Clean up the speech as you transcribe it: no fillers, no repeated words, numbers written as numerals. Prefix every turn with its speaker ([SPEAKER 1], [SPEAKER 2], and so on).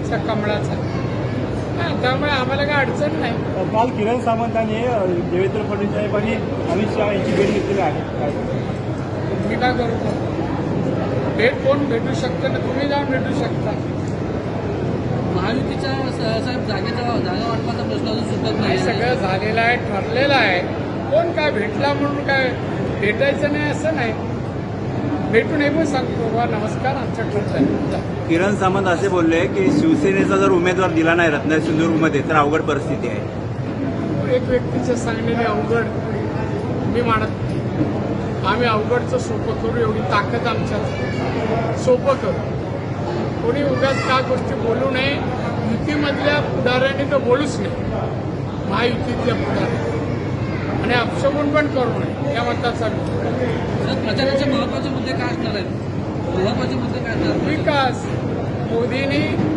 [SPEAKER 1] आमच्या कमळाचा. त्यामुळे आम्हाला काही अडचण नाही.
[SPEAKER 2] काल किरण सामंतांनी देवेंद्र फडणवीस साहेब आणि अमित शहा यांची भेट घेतलेली आहे.
[SPEAKER 1] मी काय करू? भेट कोण भेटू शकतं ना? तुम्ही जाऊन भेटू शकता.
[SPEAKER 3] महायुतीच्या साहेब जागा वाटपाचा प्रश्न अजून सुटत नाही.
[SPEAKER 1] सगळं झालेलं आहे, ठरलेलं आहे. कोण काय भेटला म्हणून काय भेटायचं नाही असं नाही. भेटून हे पण सांगतो बा नमस्कार आमच्याकडचं आहे.
[SPEAKER 4] किरण सामंत असे बोलले की शिवसेनेचा जर उमेदवार दिला नाही रत्नागिरी सिंधुदुर्गमध्ये तर अवघड परिस्थिती आहे.
[SPEAKER 1] एक व्यक्तीचे सांगण्याने अवघड मी मानत नाही. आम्ही अवघडचं सोपं करू एवढी ताकद आमच्यात. सोपं करू. कोणी उगाच काय गोष्टी बोलू नये. युतीमधल्या पुढाऱ्यांनी तर बोलूच नाही. महायुतीतल्या पुढाऱ्यांनी आणि अपशगुन पण करू नये या मताचा
[SPEAKER 3] प्रचाराचे महत्वाचे मुद्दे काय असणार आहेत? महत्वाचे मुद्दे काय असणार?
[SPEAKER 1] विकास. मोदींनी